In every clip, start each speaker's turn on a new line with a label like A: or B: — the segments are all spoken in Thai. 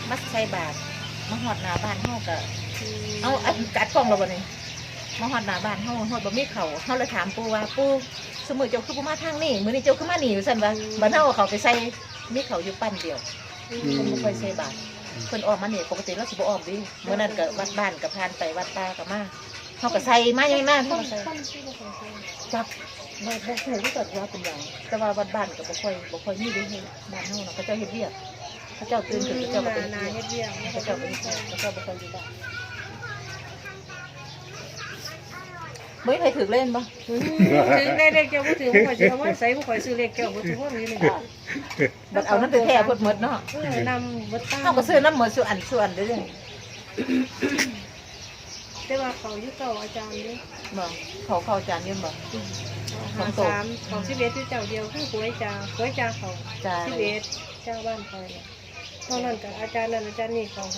A: มัดใส่บาทมาหอดหน้าบ้านเฮาก็เอาอันกัดกล้องเราบ่นี่มาหอดหน้าบ้านเฮาหอดบ่มีเขาเฮาเลยถามปู่ว่าปู่สมมุติเจ้าคือบ่มาทางนี้มื้อนี้เจ้าคือมานี่ว่าซั่นว่าบ้านเฮาเอาเขาไปใส่มีเขาอยู่ปั้นเดียวเพิ่นบ่ค่อยใส่บาทเพิ่นออกมานี่ปกติเราสิบ่ออกดิมื้อนั้นก็วัดบ้านก็ผ่านไปวัดตาก็มาเฮาก็ใส่มาอย่างนั้นเฮาก็ใส่จับบ่ฮู้ว่าเกิดว่าเป็นหยังแต่ว่าวัดบ้านก็บ่ค่อยมีเด้บ้านเฮาเนาะเขาเจ้าเฮ็ดเวียกเขาเจ้าตื่นขึ้นเขาเจ้าก็ไปเฮ็ดเวียกเขาเจ้าไปเฮ็ดเวียกเขาเจ้าบ่ค่อยอยู่บ้านไม่เคยถือเล่นปะ
B: ถือได้เลขเจ้าบ่ถือบ่ข่อยสิเอาไว้ใส่บ่ข่อยซื้อเลขเจ้าบ่ถือว่ามีเลย
A: บัดเอานั่นไปแท้พดหมดเนาะ
B: นำบ่ตาม
A: เขาก็ซื้อน้ำหมดส่วนเด้อ
B: แต่ว่าเขาอยู่เก่าอาจารย์นี่
A: บ่เขาจานยืมบ่
B: 53ของ11ที่เจ้าเดียวคือหวยจาเขา11เจ้าบ้านคอยน่ะตอนนั้นก็อาจารย์นั้นอาจารย์นี่เขา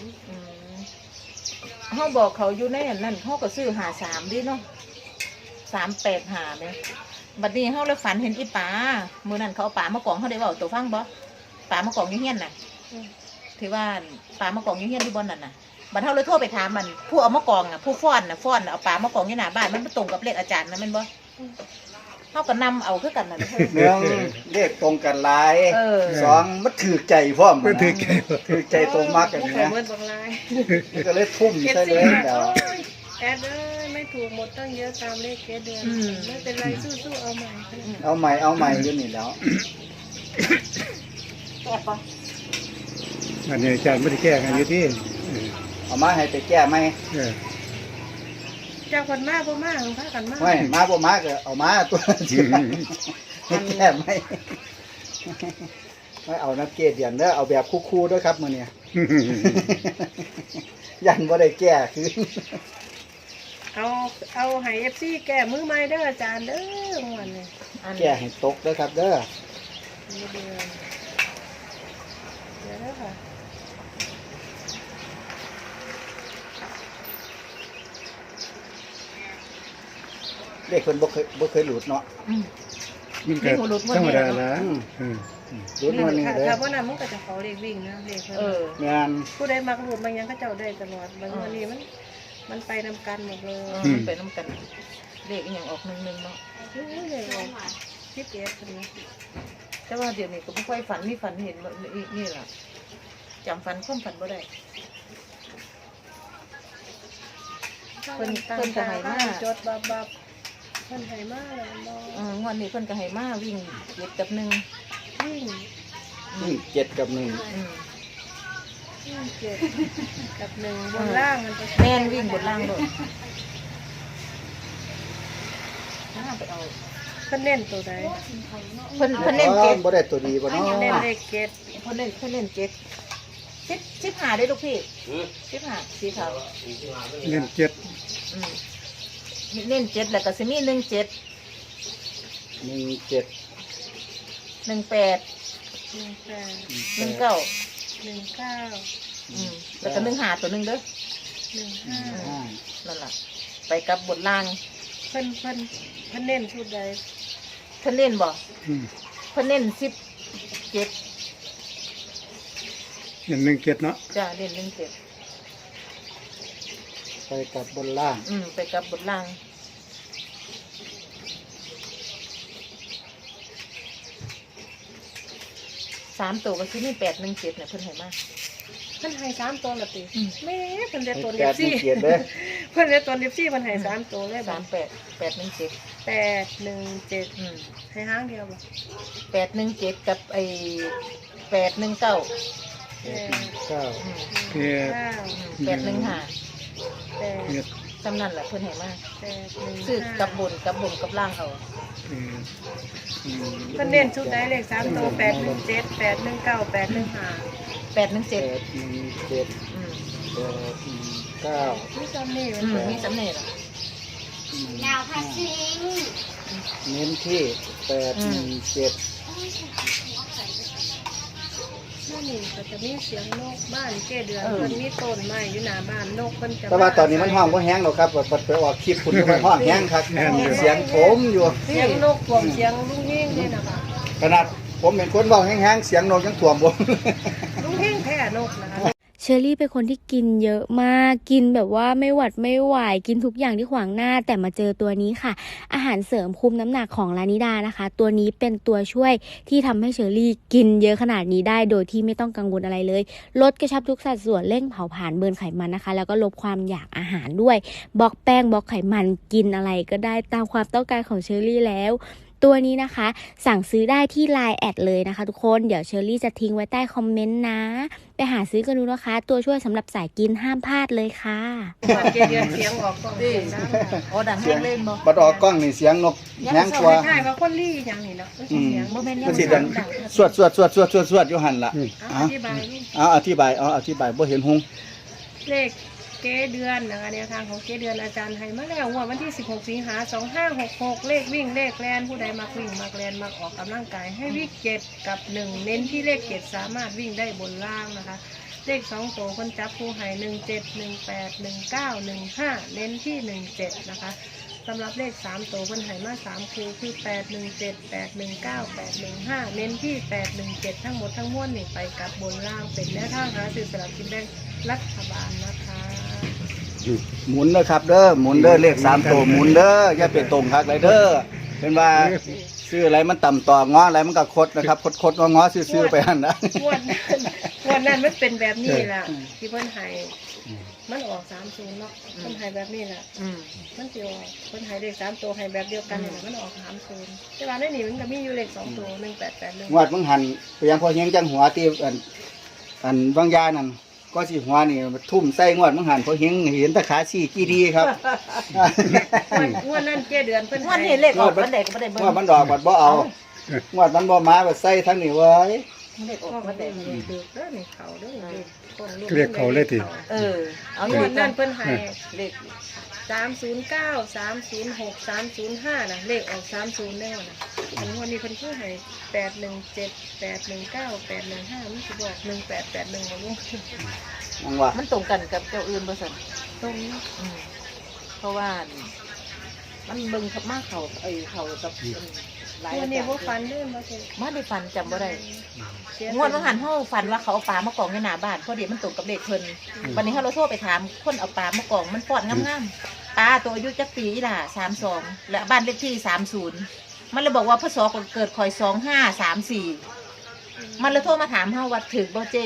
B: 53
A: เฮาบอกเขาอยู่ในอันนั้นเฮาก็ซื้อ53ดิเนาะ385เนี่ยบัดนี้เฮาเลยฝันเห็นอีป๋ามื้อนั้นเขาเอาป๋ามากองเฮาได้เว้าตัวฟังบ่ป๋ามากองอยู่เฮียนน่ะที่ว่าป๋ามากองอยู่เฮียนที่บ่นั่นน่ะบัดเฮาเลยโทรไปถามมันผู้เอามากองอ่ะผู้ฟ้อนเอาป๋ามากองอยู่หน้าบ้านมันบ่ตรงกับเลขอาจารย์นะแม่นบ่เฮาก็นำเอาคือกันน่ะเด้อ
C: เมืองเลขตรงกันหลาย สองมันถือใจพร้อม
D: มันถือใจ
C: ถือใจตรงมากกัน
B: บ่
C: นะ
B: ข่อยเหมือนบักลาย
C: ก็เลยทุ่มใส่เลยเดี๋ยว
B: แอดเอ้ยไม่ถูกหมดตั้งเยอะตามเลขเดือนไม่เป็นไรสู้ๆเอาใหม่
C: เอาใหม่อยู่นี่แล้ว
A: แก่ปะ
D: อันนี้อาจารย์ไม่ได้แก้กันอยู่ที่
C: เอามาให้ไปแก้ไหม
B: จากคนมากบ่มากพากันมาก
C: ไม่มาบ่มาก็เอามาตัวให้แก้ไหมไม่เอานักเกตเดียนเด้อเอาแบบคู่ๆด้วยครับมื้อนี้ยันบ่ได้แก้คือ
B: เอาให้ FC แก้มือใหม่เด้ออาจารย์เด้อวันนี้
C: แก้ให้ตกด้วยครับเด้อ
B: เดี๋ยวค่ะ
C: เลขเพิ่นบ่เคยหลุดเนาะ
D: มันเกิดธรรมดาละ
C: หลุดมานี่เด้อ
B: ถ้าว่านั้นมันก็จะเขาเลขวิ่งนะเลข
C: งาน
B: ผู้ใดมักหลุดบางอย่างก็เจ้าได้ตลอดบางวันนี้มันไปนำกันหมดเลย
A: มันไปน้ำกันเลขอีหยังออก1เนาะ
B: เลยคิดเอฟคนนี้
A: แต่ว่าเดี๋ยวนี้ก็บ่ค่อยฝันมีฝันเห็นนี่ล่ะจำฝันความฝันบ่ได้เพิ่นก็ให้มา
B: จดบับเพิ่นให้มาเลยบ่
A: งวดนี้เพิ่นก็ให้มาวิ่ง7 กับ 1
B: วิ่ง
C: 7 กับ 1
B: วิ่ง7 กับ1บนล่างมันจะ
A: แม่นวิ่งบนล่างโดดไปเอา
B: เพิ่นเล่นตัวใด
A: เพิ่นเล่นเจ็ด
C: บ่ได้ตัวดีบ่เนาะ
B: เล่นเลขเกต
A: เพิ่นเล่นเจ็ด15ได้ลูกพี่15สีขาว
D: เงินเจ็ด
A: เล่น7แล้วก็สิมี17
C: 17
A: 18
B: 18
A: 19
B: 19
A: แล้วก็15ตัวนึงเด้อ
B: 15
A: นั่นล่ะไปกับบนล่าง
B: เพิ่นเล่นชุดใด
A: เพิ่นเล่นบ่เพิ่นเล่น17
D: เงินหนึ่งเจ็ดเนาะ
A: จ้าเล่น17
C: ไปกับบนล่าง
A: ไปกับบนล่าง3ตัวก็สิมี817เนี่ยเพิ่นให้มา
B: เพิ่นให้3ตัวละติแม่เพิ่นได้ตัว
C: 8
B: 14
C: 1 7เด้อ
B: เพิ่นได้ตัว14เพิ่นให้3ตัวเลยบ่
A: 38 817
B: 817ให้หางเดียวบ่
A: 817กับไอ้819
C: 9
D: เพีย
A: 815
B: 8
A: จำนั่นแหละเพิ่นให้มา
B: 8
A: ซื้อกับบนกับล่างเอา
B: เพิ่นเล่นชุดใดเลข3ตัว817 819 815
A: 817
C: 9
B: มีจำนี่มัน
A: มีสำเนียงอ่ะ
E: ดาวพัชิง
C: เน้นที่817
B: นั่นนี่ก็จะมีเสียงนกบ้านเก้เดือนเพิ่นมีต้นไม้อยู่หน้าบ้านนกเพิ่นจะ
C: แต่ว่าตอนนี้มันห้องบ่แห้งหรอกครับบัดไปออกคลิปคุณมันห้องแห้งครับเสียงโถมอยู่
B: เสียงนกท่วมเสียงลุงเฮงนี่นะคะ
C: ขนาดผมเป็นคนเว้าแห้งๆเสียงนกยังท่วมบ่
B: ลุงเฮงแท้นกนะคะ
F: เชอรี่เป็นคนที่กินเยอะมาก กินแบบว่าไม่หวัดไม่ไหว กินทุกอย่างที่ขวางหน้า แต่มาเจอตัวนี้ค่ะ อาหารเสริมคุมน้ำหนักของลานิดานะคะ ตัวนี้เป็นตัวช่วยที่ทำให้เชอรี่กินเยอะขนาดนี้ได้ โดยที่ไม่ต้องกังวลอะไรเลย ลดกระชับทุกสัดส่วน เร่งเผาผลาญเบิร์นไขมันนะคะ แล้วก็ลดความอยากอาหารด้วย บล็อกแป้ง บล็อกไขมัน กินอะไรก็ได้ตามความต้องการของเชอรี่แล้ว ตัวนี้นะคะสั่งซื้อได้ที่ Line แอดเลยนะคะทุกคนเดี๋ยวเชอรี่จะทิ้งไว้ใต้คอมเมนต์นะไปหาซื้อกันดูนะคะตัวช่วยสำหรับสายกินห้ามพลาดเลยค่ะ
B: บัดเกเดือนเสียงออกกล้องเสียงดังค่ะ
A: โอ้ดังแห้งเล่นบ่
C: บัดออกกล้องนี่เสียงนกแห้งกว่า
B: ใช่ว่าคนลี่อย่างนี้เนาะเสียง
A: บ่แม่น
C: มันสิดังสวดอยู่หั่นล่ะ
B: อธิบายนี่
C: อธิบายบ่เห็นหง
B: เลขเกเดือนนะคะแนวทางของเกเดือนอาจารย์ให้มาแล้ววันที่16 สิงหาคม 2566เลขวิ่งเลขแลนผู้ใดมักวิ่งมักแลนมักออกกำลังกายให้วิ่ง7กับ1เน้นที่เลข7สามารถวิ่งได้บนล่างนะคะเลข2ตัวคนจับผู้ให้17 18 19 15เน้นที่17นะคะสำหรับเลข3ตัวคนให้มา3คู่คือ817 819 815เน้นที่817ทั้งหมดทั้งมวลนี่ไปกับบนล่างเป็นแนวทางหาซื้อสลากกินแบ่งรัฐบาลนะคะ
C: หมุนเด้อครับเด้อหมุนเด้อเลข3ตัวหมุนเด้ออย่าไปตรงคักเลยเด้อเป็นว่าซื้ออะไรมันต่ำต่อง้ออะไรมันก็คดนะครับคดง้อซื้อไปหั่นนะ
B: งวดนั้นมันเป็นแบบนี้แหละที่เพิ่นให้มันออก30เนาะเพิ่นให้แบบนี้แหละมันสิออกเพิ่นให้เลข3ตัวให้แบบเดียวกันนี่แหละมันออก30แต่ว่าในนี้มันก็มีอยู่เลข2ตัว1881
C: งวดมึงหันไปยังพอเฮียงจังหัวตีอันบางยานั่นก็สิหัวนี่ทุ่มใส่งวดมึงหันพอเฮียงเห็นตะขาชี้กี่ดีครับ
B: งวดนั้นเจ้เดือนเพิ่น
A: งวดนี้เลขออกวันใดก็บ่ได้เบิ่ง
C: งวดมันดอกบัดบ่เอางวดมันบ่มาบัดใส่ทั้งนี้เว้ย
A: เลขอ
B: อ
A: อ
B: อก ก
A: วั
B: มาน
A: ใด
B: ได้เดือดเด้อนี่เขาเด้อนี่
D: เรียกเขาเลยที
A: เอา
B: ง
A: อยู่
B: วด
A: กั
B: นั้น นเพิ่นให้
A: เลข
B: 309 306 305นะเลขออก30แล้วนะอันงวดนี้เพิ่นคือให้817 819 815มันสิบอก1881บ่รู้
C: นังว่า
A: มันตรงกันกับเจ้าอื่นบ่ซั่น
B: ตรงนี้
A: เพราะว่ามันเบิ่งกับมาเขาเขากับหลาย
B: งว
A: อา
B: ดนี้
A: จาร
B: บ่
A: ย์
B: ฟันเด้อบ่เจ้
A: มาได้ฟันจำบ่ได้งวดว่าหันเฮาฟันว่าเขาเอาปลามากองในหน้าบ้านพอดีมันตรงกับเลขเพิ่นวันนี้เฮาเราโทรไปถามคนเอาปลามากองมันป้อนงามๆปลาตัวอายุจักปีล่ะ32และบ้านเลขที่30มันเลยบอกว่าพศเกิดคอย2534มันเลยโทรมาถามเฮาว่าถึกบ่เจ้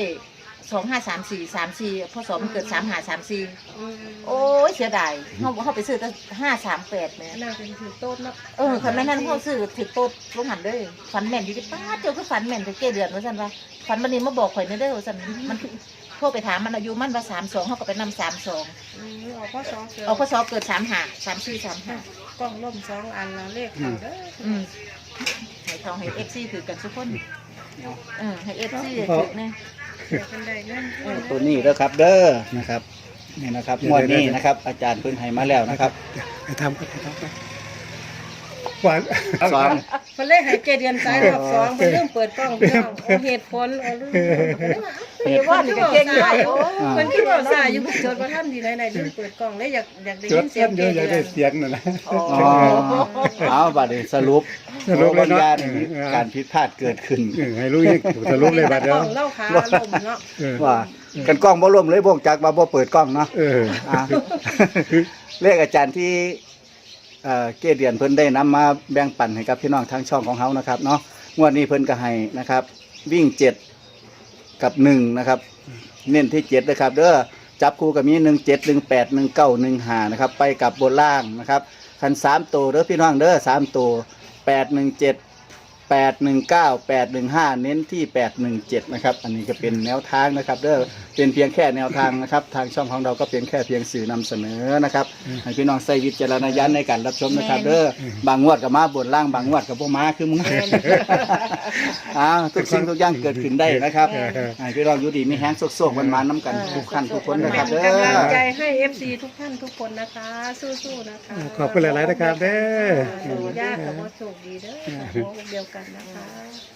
A: 2534พศมันเกิด3534โอ้ยเสียดายเฮาไปซื้อแต่538แม่
B: น่าเป็นถือโต๊ดเนาะ
A: คันแม่นั้นเขาซื้อถือโต๊ดลงหันเด้อฝันแม่นอยู่ที่ป้าเจ้าคือฝันแม่นแต่เก้เดือนว่าซั่นว่าฝันวันนี้มาบอกข่อยเด้อว่าซั่นมันโทรไปถามมันอายุมันว่า32เฮาก็ไปนำ32
B: ออกพศเกิด
A: เอาพศเกิด35 34 35
B: กล้องล่ม2อันละเลขเขาเด้อ
A: ให้ทองให้ FC ถือกันทุกคนให้ FC ถือแน่
B: เดี๋ยวคนใดเงิน
C: ตัวนี้เด้อครับเด้อนะครับนี่นะครับงวดนี้นะครับอาจารย์เพิ่นให้มาแล้วนะครับ
D: ไปทำกันหวาน
C: สอง
B: เพิ่นเลยให้เกเดือนสายรอบ2เพิ่นเริ่มเปิดกล้องพี่น้องเอาเหตุผลเอาเรื่อง
A: มีว่านี่ก็เก่งได้โอ้
B: เพิ่นคิดว่าสายอยู่จดบ่ทันดีไหนๆลืมเปิดกล้องเลยอยากได้
D: จ
B: ยิ
D: ด
B: นเสีย
D: เส้
B: ง
D: นเย
B: เก
D: อะอยาก
B: เดื
D: ได้
B: อน
D: เสียงนั่นแหละ
C: อ๋อเอาบัดนี้สรุป
D: สรุปเลยเนาะ
C: บางอย่างมีการผิดพลาดเกิดขึ้น
D: ให้รู้ยังสรุปเลยบัดเดียว
B: เล่าขาลมเนาะ
C: ว่ากันกล้องบ่ร่วมเลยบ่งจักว่าบ่เปิดกล้องเนาะ อ่ะ เลขอาจารย์ที่เกเดียนเพิ่นได้นำมาแบ่งปันให้กับพี่น้องทางช่องของเฮานะครับเนาะงวดนี้เพิ่นก็ให้นะครับ วิ่ง7กับ1นะครับเน้นที่7นะครับเด้อจับคู่กับมี17 18 19 15นะครับไปกับบนล่างนะครับคัน3ตัวเด้อพี่น้องเด้อ3ตัว817 819 815เน้นที่817นะครับอันนี้ก็เป็นแนวทางนะครับเด้อเป็นเพียงแค่แนวทางนะครับทางช่องของเราก็เป็นแค่เพียงสื่อนำเสนอนะครับให้พี่น้องใส่วิจารณญาณในการรับชมนะครับเด้อบางงวดก็มาบนล่างบางงวดก็บ่มาคือมึงทุกสิ่งทุกอย่างเกิดขึ้นได้นะครับให้พี่น้องอยู่ดีมีแฮงโซกๆมันๆน้ำกันทุกขั้นทุกคนนะครับ
B: เป็น
C: เด้
B: กำลังใจ
C: อ
B: ให้ FC ทุกท่านทุกคนนะคะ สู้ๆนะคะ
D: ขอบคุณหลายๆนะครับเด้อ
B: ดูยากแต่ว่าโชคดีเด้อหัวอกเดียวกันนะคะ